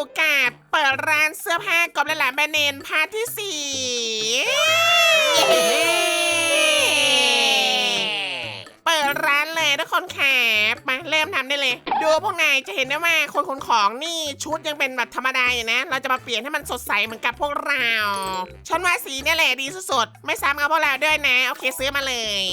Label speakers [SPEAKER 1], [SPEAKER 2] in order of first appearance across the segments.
[SPEAKER 1] กับเปิดร้านเสื้อผ้ากอบและหลานแบรนด์เนมพาร์ทที่4เปิดร้านเลยทุกคนครับมาเริ่มทำได้เลยดูพวกนายจะเห็นได้ว่าคนขนของนี่ชุดยังเป็นแบบธรรมดาอยู่นะเราจะมาเปลี่ยนให้มันสดใสเหมือนกับพวกเราฉันว่าสีเนี่ยแหละดีสุดๆไม่ซ้ำกับพวกเราด้วยนะโอเคซื้อมาเลย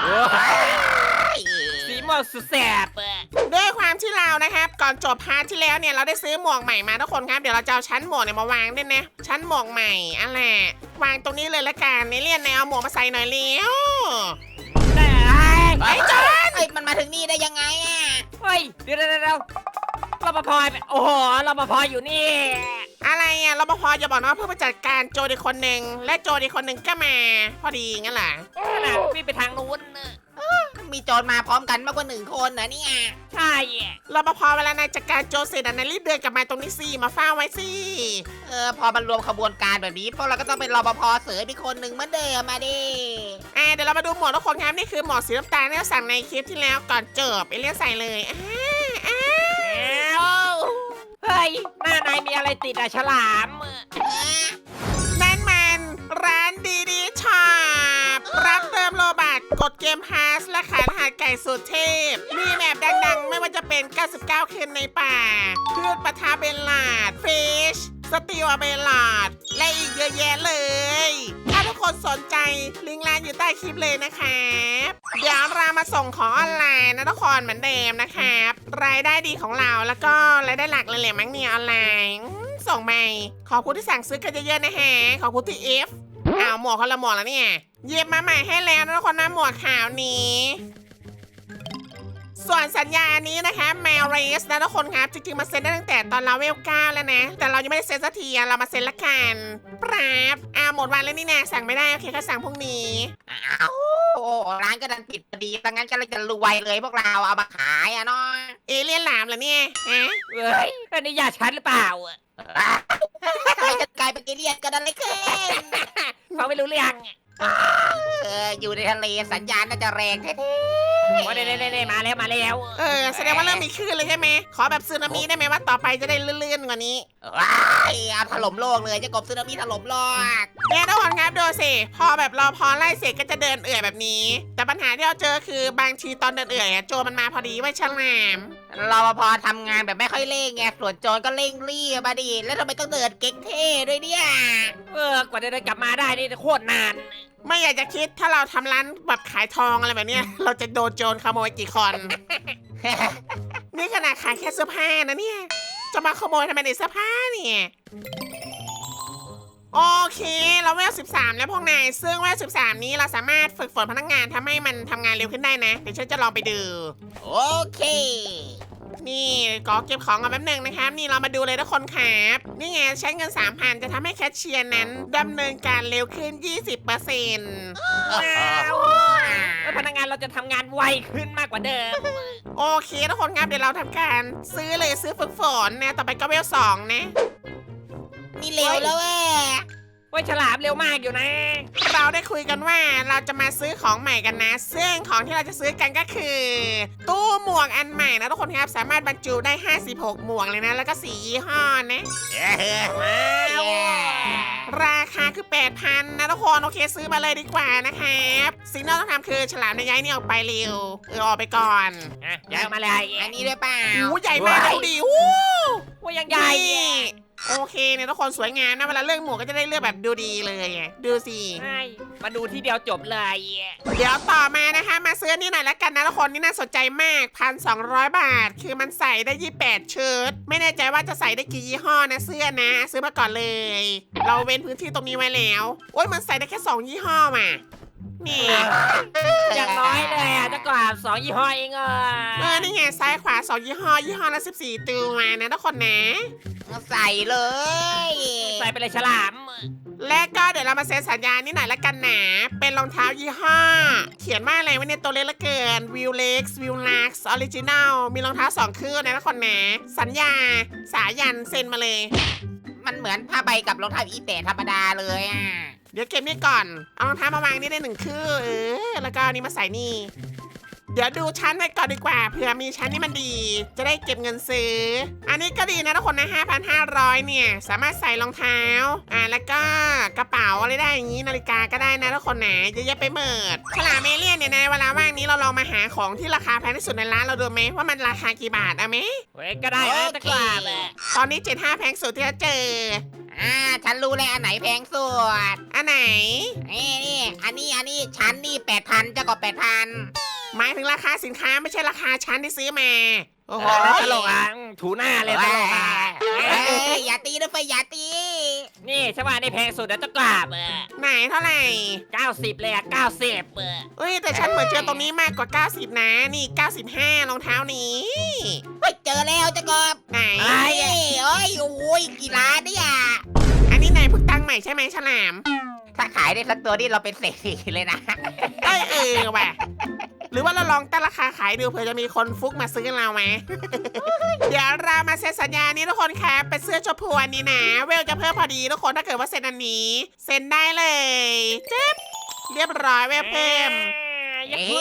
[SPEAKER 2] สีม่วงสุดแสบ
[SPEAKER 1] ด้วยความที่เรานะครับก่อนจบพาร์ทที่แล้วเนี่ยเราได้ซื้อหมวกใหม่มาทุกคนครับเดี๋ยวเราจะเอาชั้นหมวกเนี่ยมาวางด้วยนะชั้นหมวกใหม่อะไรวางตรงนี้เลยละกันในเลี่ยนเอาหมวกมาใส่หน่อยเร็วไอ้จอน
[SPEAKER 3] มันมาถึงนี่ได้ยังไงอ่ะ
[SPEAKER 2] เฮ้ยเดี๋ยวรปภโอ้โหรปภอยู่นี่
[SPEAKER 1] อะไรอ่ะรปภจะบอกนะว่าเพื่อมาจัดการโจรอีกคนหนึ่งและโจรอีกคนหนึ่งก็มาพอดีงั้นแหละ
[SPEAKER 2] พี่ไปทางนู้น
[SPEAKER 3] มีโจรมาพร้อมกันมากกว่า1 คนนะเนี่ย
[SPEAKER 2] ใช่
[SPEAKER 1] รปภเวลานายจัดการโจรเสร็จนายรีบเดินกลับมาตรงนี้สิมาเฝ้าไว้สิ
[SPEAKER 3] พอมันรวมขบวนการแบบนี้พวกเราก็ต้องเป็นรปภเสริมอีกคนหนึ่งเหมือนเดิมมาดิ
[SPEAKER 1] เดี๋ยวเรามาดูหมวกทุกคนครับนี่คือหมวกสีน้ำตาลที่เราสั่งในคลิปที่แล้วก่อนจบเอเลี่ยนใส่เลย
[SPEAKER 2] เฮ้ยหน้านายมีอะไรติดฉลาม
[SPEAKER 1] นั่นมันร้านดีช็อปรับเติมโลบัตกดเกมพาสและขายรหัสไก่สุดเทพมีแมปดังๆไม่ว่าจะเป็น99คืนในป่าพืชปะทาเบลลาดฟิชสติวเบลลาดและอีกเยอะแยะเลยถ้าทุกคนสนใจลิงก์ร้านอยู่ใต้คลิปเลยนะครับเดี๋ยวเรามาส่งของออนไลน์นะทุกคนเหมือนเดิมนะครับรายได้ดีของเราแล้วก็รายได้หลักเลยแหละมั้งเนี่ยออนไลน์ส่งไปขอบคุณที่สั่งซื้อกันเยอะๆนะฮะขอบคุณที่ F หมวกคนละหมวกแล้วเนี่ยเย็บมาใหม่ให้แล้วนะทุกคนนะหมวกขาวนี้ส่วนสัญญานี้นะคะแมวเรสนะทุกคนครับจริงๆมาเซ็นได้ตั้งแต่ตอนเราเวล9แล้วนะแต่เรายังไม่ได้เซ็นสักทีเรามาเซ็นละกันปราบหมดวันแล้วนี่นะสั่งไม่ได้โอเคก็สั่งพรุ่งนี้
[SPEAKER 3] ร้านก็ดันปิดพอดีดังนั้นก็เลยจะรวยเลยพวกเราเอามาขายเนาะ
[SPEAKER 1] เอเลี่ยนหลามเหรอเนี่ย
[SPEAKER 2] เฮ้ยอันนี้ยาชันหรือเปล่า
[SPEAKER 3] ทำไมจะกลายเป็นเอเลี่ยนกันอะไรขึ้น
[SPEAKER 2] เขาไม่รู้เรื่อง
[SPEAKER 3] อยู่ในทะเลสัญญาณน่าจะแรงแท้
[SPEAKER 2] ๆมาแล้ว
[SPEAKER 1] แสดงว่าเริ่มมีคลื่นเลยใช่ไหมขอแบบสึนามิได้ไหมว่าต่อไปจะได้เลื่อนๆกว่านี้
[SPEAKER 3] เอาถล่มโลกเลยจะกบสึนามิถล่มโลก
[SPEAKER 1] เนี่ยทุกคนครับดูสิพอแบบพอไล่เสร็จก็จะเดินเอื่อยแบบนี้แต่ปัญหาที่เราเจอคือบางทีตอนเดินเอื่อยโจรมันมาพอดีไว้ฉลาม
[SPEAKER 3] รปภทำงานแบบไม่ค่อยเร่งไงส่วนโจรก็เร่งรีบมาดิแล้วทำไมต้องเดินเก๊กเท่ด้วยเนี่ย
[SPEAKER 2] กว่าจะเดินกลับมาได้นี่โคตรนาน
[SPEAKER 1] ไม่อยากจะคิดถ้าเราทำร้านแบบขายทองอะไรแบบนี้เราจะโดนโจรขโมยกี่คน นี่ขนาดขายแค่เสื้อผ้านะเนี่ยจะมาขโมยทำไมในเสื้อผ้าเนี่ยโอเคเราเวล13แล้วพวกนายซึ่งเวล13นี้เราสามารถฝึกฝนพนักงานทำให้มันทำงานเร็วขึ้นได้นะเดี๋ยวฉันจะลองไปดู
[SPEAKER 3] โอเค
[SPEAKER 1] นี่ก็เก็บของกันแป๊บนึงนะครับนี่เรามาดูเลยทุกคนครับนี่ไงใช้เงิน 3,000 จะทำให้แคชเชียร์นั้นดำเนินการเร็วขึ้น 20%
[SPEAKER 2] พนักงานเราจะทำงานไวขึ้นมากกว่าเดิม
[SPEAKER 1] โอเคทุกคนครับเดี๋ยวเราทำการซื้อฝึกฝนนะต่อไปก็เวล2นะ
[SPEAKER 3] นี่เร็วแล้ว
[SPEAKER 2] ฉลามเร็วมากอยู่นะ
[SPEAKER 1] เราได้คุยกันว่าเราจะมาซื้อของใหม่กันนะซึ่งของที่เราจะซื้อกันก็คือตู้หมวกอันใหม่นะทุกคนครับสามารถบรรจุได้56หมวกเลยนะแล้วก็4ยี่ห้อนะราคาคือ 8,000 นะทุกคนโอเคซื้อมาเลยดีกว่านะครับสิ่งที่เราต้องทำคือฉลามในย้ายนี่ออกไปเร็วออกไปก่อน
[SPEAKER 2] ย้ายมาเลย
[SPEAKER 3] อันนี้ด้วยเปล่า
[SPEAKER 1] ใหญ่มากดูดิ
[SPEAKER 2] ว่ายังใหญ่
[SPEAKER 1] โอเคเนี่ยทุกคนสวยงามนะเวลาเลือกหมวกก็จะได้เลือกแบบดูดีเลยดูสิ
[SPEAKER 2] ใช่มาดูที่เดียวจบเลย
[SPEAKER 1] เดี๋ยวต่อมานะคะมาซื้อนี่หน่อยละกันนะทุกคนนี่น่าสนใจมาก 1,200 บาทคือมันใส่ได้28ชุดไม่แน่ใจว่าจะใส่ได้กี่ยี่ห้อนะเสื้อนะซื้อมาก่อนเลยเราเว้นพื้นที่ตรงนี้ไว้แล้วโอ้ยมันใส่ได้แค่2ยี่ห้อมานี่
[SPEAKER 2] อย่างน้อยเลยจะกว่า2ยี่ห้อเอง
[SPEAKER 1] นี่ไงซ้ายขวา2ยี่ห้อละ14ตัวมานะทุกคนนะ
[SPEAKER 3] ใส่เลย
[SPEAKER 2] ใส่ไปเลยฉลาม
[SPEAKER 1] และก็เดี๋ยวเรามาเซ็นสัญญานี่หน่อยละกันนะเป็นรองเท้ายี่ห้อเขียนว่าอะไรวะเนี่ยตัวเล็กละเกินวิวเล็กซ์วิวลักซ์ออริจินัลมีรองเท้า2คู่นะทุกคนนะสัญญาสายันเซ็นมาเลย
[SPEAKER 3] มันเหมือนผ้าใบกับรองเท้าอีแตะธรรมดาเลย
[SPEAKER 1] เดี๋ยวเก็บนี่ก่อนเอารองเท้ามาวางนี่ได้1คู่แล้วก็นี่มาใส่นี่เดี๋ยวดูชั้นไว้ก่อนดีกว่าเผื่อมีชั้นที่มันดี จะได้เก็บเงินซื้อ อันนี้ก็ดีนะทุกคนนะ 5,500 เนี่ยสามารถใส่รองเท้าแล้วก็กระเป๋าอะไรได้อย่างนี้นาฬิกาก็ได้นะทุกคนนะเยอะแยะไปหมดฉลามเอเลี่ยนเนี่ยในเวลาว่างนี้เราลองมาหาของที่ราคาแพงที่สุดในร้านเราดูไหมว่ามันราคากี่บาทเอาไหม
[SPEAKER 2] เว้ยก็ได้นะตะกราบอะ
[SPEAKER 1] ตอนนี้75แพงสุดที่จะเจอ
[SPEAKER 3] ฉันรู้เลยอันไหนแพงสุด
[SPEAKER 1] อันไหน
[SPEAKER 3] นี่อันนี้ฉันนี่8,000เจ้ากบ8,000
[SPEAKER 1] หมายถึงราคาสินค้าไม่ใช่ราคาชั้นที่ซื้อมาโอ้โห
[SPEAKER 2] ตลกอ่ะถูหน้าเลยตลกอ่ะ
[SPEAKER 3] อย่าตีนะเฟยอย่าตี
[SPEAKER 2] นี่ใช่ป่ะนี่แพงสุดนะตะกราบอะ
[SPEAKER 1] ไหนเท่าไหร่
[SPEAKER 2] 90เลยอะ90อะ
[SPEAKER 1] เอ้ยแต่ฉันเหมือนเจอตรงนี้มากกว่า 90 นะนี่ 95รองเท้านี้
[SPEAKER 3] เฮ้ยเจอแล้วเจ้ากบ
[SPEAKER 1] ไหน
[SPEAKER 3] โอ้ยกี่ล้านเนี่ย
[SPEAKER 1] อันนี้นายเพิ่งตั้งใหม่ใช่ไหมฉลาม
[SPEAKER 3] ถ้าขายได้สักตัวนี่เราเป็นเศรษฐีเลยนะ
[SPEAKER 1] เออว่ะหรือว่าเราลองตั้งราคาขายดูเผื่อจะมีคนฟุกมาซื้อเราไหม เดี๋ยวเรามาเซ็นสัญญานี้ทุกคนครับเป็นเสื้อชมพูอันนี้นะเวลจะเพิ่มพอดีทุกคนถ้าเกิดว่าเซ็นอันนี้เซ็นได้เลยจึ๊บเรียบร้อยเวลเพิ่ม
[SPEAKER 2] ยั
[SPEAKER 3] เอ๊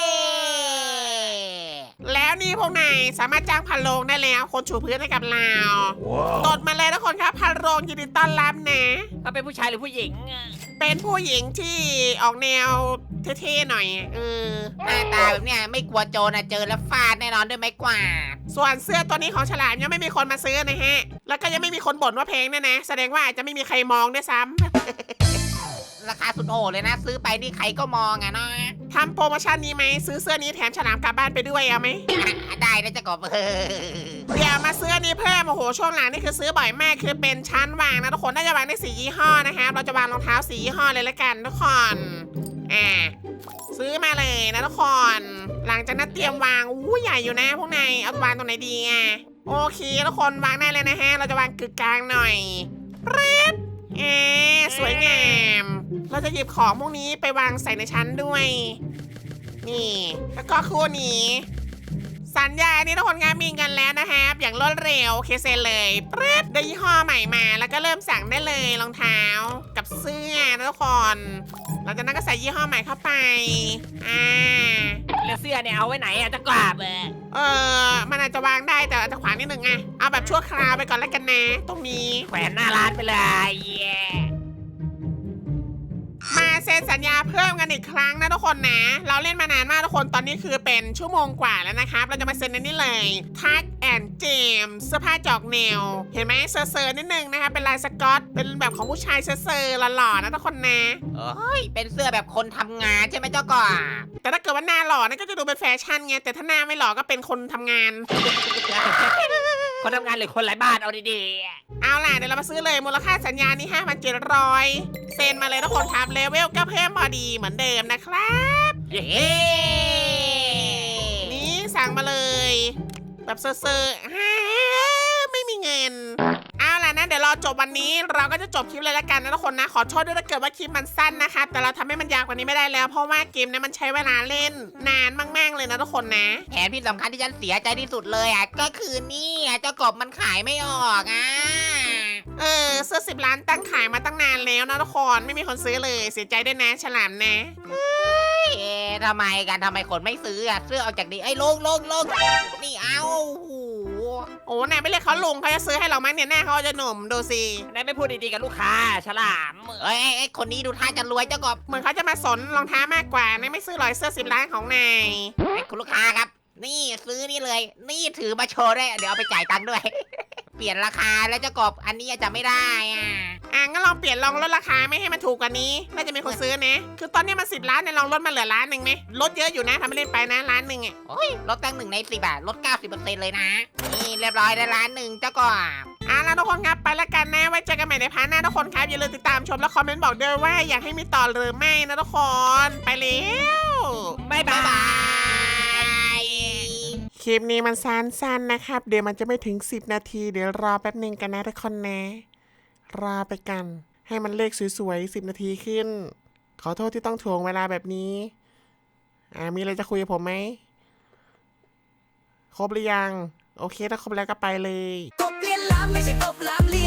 [SPEAKER 1] แล้วนี่พวกนายสามารถจ้างพันโรงได้แล้วคนชูพื้นให้กับเราตดมาเลยทุกคนครับพันโรงยินดีต้อนรับนะ
[SPEAKER 2] เขาเป็นผู้ชายหรือผู้หญิงอะ
[SPEAKER 1] เป็นผู้หญิงที่ออกแนวเท่ๆหน่อย
[SPEAKER 3] หน้าตาแบบเนี้ยไม่กลัวโจรนะเจอแล้วฟาดแน่นอนด้วยไม้กวาด
[SPEAKER 1] ส่วนเสื้อตัวนี้ของฉลามยังไม่มีคนมาซื้อนะฮะแล้วก็ยังไม่มีคนบ่นว่าแพงเนี่ยนะแสดงว่าอาจจะไม่มีใครมองด้วยซ้ำ
[SPEAKER 3] ราคาสุดโหดเลยนะ ซื้อไปนี่ใครก็มองอะเนาะ
[SPEAKER 1] ทำโปรโมชั่นนี้ไหมซื้อเสื้อนี้แถมฉลามกลับบ้านไปด้วยเอาไหม
[SPEAKER 3] ได้นะเจ้ากบ
[SPEAKER 1] เดี๋ยวมาซื้ออันนี้เพิ่มโอ้โหช่วงหลังนี่คือซื้อบ่อยมากคือเป็นชั้นวางนะทุกคนน่าจะวางได้4 ยี่ห้อนะคะเราจะวางรองเท้า4 ยี่ห้อเลยละกันทุกคนซื้อมาเลยนะทุกคนหลังจากนั้นเตรียมวางอู้ใหญ่อยู่นะพวกนายเอาวางตรงไหนดีโอเคทุกคนวางได้เลยนะฮะเราจะวางกึกกลางหน่อยปึ๊บสวยงามเราจะหยิบของพวกนี้ไปวางใส่ในชั้นด้วย นี่แล้วก็คู่นี้สัญญานี้ทุกคนงานมีกันแล้วนะครับอย่างรวดเร็วเคเซนเลยปึ๊บได้ยี่ห้อใหม่มาแล้วก็เริ่มสั่งได้เลยรองเท้ากับเสื้อนะทุกคนหลังจากนั้นก็ใส่ยี่ห้อใหม่เข้าไป
[SPEAKER 2] แล้วเสื้อเนี่ยเอาไว้ไหนอะตะกราบอะ
[SPEAKER 1] มันอาจจะวางได้แต่อาจจะขวางนิดนึงเอาแบบชั่วคราวไปก่อนแล้วกันนะตรงนี้
[SPEAKER 2] แขวนหน้าร้านไปเลย
[SPEAKER 1] มาเซ็นสัญญาเพิ่มกันอีกครั้งนะทุกคนนะเราเล่นมานานมากทุกคนตอนนี้คือเป็นชั่วโมงกว่าแล้วนะครับเราจะมาเซ็นในนี้เลยทักแอนเจมเสื้อผ้าจอกแนวเห็นไหมเซอร์นิดนึงนะคะเป็นลายสก๊อตเป็นแบบของผู้ชายเซอร์หล่อๆนะทุกคนนะ
[SPEAKER 3] เฮ้ยเป็นเสื้อแบบคนทำงานใช่ไหมเจ้ากบ
[SPEAKER 1] แต่ถ้าเกิดว่าหน้าหล่อนั่นก็จะดูเป็นแฟชั่นไงแต่ถ้าหน้าไม่หล่อก็เป็นคนทำงาน
[SPEAKER 2] คนทำงานหรือคนไร้บ้านเอาดี
[SPEAKER 1] เอาล่ะเดี๋ยวเรามาซื้อเลยมูลค่าสัญญานี้ 5,700 เซ็นมาเลยทุกคนครับเลเวลก็เพิ่มพอดีเหมือนเดิมนะครับ
[SPEAKER 2] ๆเย้
[SPEAKER 1] นี่สั่งมาเลยแบบเซอร์ไม่มีเงินเอาล่ะนะเดี๋ยวรอจบวันนี้เราก็จะจบคลิปเลยละกันนะทุกคนนะขอโทษด้วยถ้าเกิดว่าคลิปมันสั้นนะคะแต่เราทำให้มันยาวกว่านี้ไม่ได้แล้วเพราะว่าเกมนี้มันใช้เวลาเล่นนานมากๆเลยนะทุกคนนะ
[SPEAKER 3] แผนที่สำคัญที่ฉันเสียใจที่สุดเลยก็คือนี่เจ้ากบมันขายไม่ออก
[SPEAKER 1] เสื้อ10 ล้านตั้งขายมาตั้งนานแล้วนะทุกคนไม่มีคนซื้อเลยเสียใจด้วยนะฉลามนะ
[SPEAKER 3] ทำไมคนไม่ซื้อเสื้อเอาจากนี้ลงนี่เอา
[SPEAKER 1] โอ้นายไม่เรียกเขาลงเขาจะซื้อให้เรามั้งเนี่ยหน้าเขาจะหนุ่มดูสิ
[SPEAKER 2] นายไม่พูดดีๆกับลูกค้าฉลาม
[SPEAKER 3] คนนี้ดูท่าจะรวยเจ้ากบ
[SPEAKER 1] เหมือนเขาจะมาสนรองเท้ามากกว่านายไม่ซื้อหรอยเสื้อ10 ล้านของนาย
[SPEAKER 3] คุณลูกค้าครับนี่ซื้อนี่เลยนี่ถือมาโชว์ได้เดี๋ยวเอาไปจ่ายตังค์ด้วย เปลี่ยนราคาแล้วเจ้ากบอันนี้จะไม่ได้
[SPEAKER 1] งั้นลองเปลี่ยนลองลดราคาไม่ให้มันถูกกว่านี้น่าจะมีคนซื้อนะคือตอนนี้มัน10 ล้านเนี่ยลองลดมาเหลือ1 ล้านไหมลดเยอะอยู่นะทำไม่เล่นไปนะ1 ล้าน
[SPEAKER 3] โอ้ยลดตั้ง1 ใน 10ลด 90% เลยนะนี่เรียบร้อยได้1 ล้านเจ้ากบ
[SPEAKER 1] แล้วทุกคนครับไปแล้วกันนะไว้เจอกันใหม่ในพาร์ทหน้าทุกคนครับอย่าลืมติดตามชมและคอมเมนต์บอกด้วยว่าอยากให้มีต่อหรือไม่นะทุกคนไปแล้ว
[SPEAKER 2] บ๊ายบาย
[SPEAKER 1] คลิปนี้มันสั้นๆนะครับเดี๋ยวมันจะไม่ถึง10 นาทีเดี๋ยวรอแป๊บนึงกันนะทุกคนนะรอไปกันให้มันเลขสวยๆ10 นาทีขึ้นขอโทษที่ต้องถ่วงเวลาแบบนี้มีอะไรจะคุยกับผมไหมครบหรือยังโอเคถ้าครบแล้วก็ไปเลย
[SPEAKER 4] กบเลียนล้ำไม่ใช่กบล้ำเลี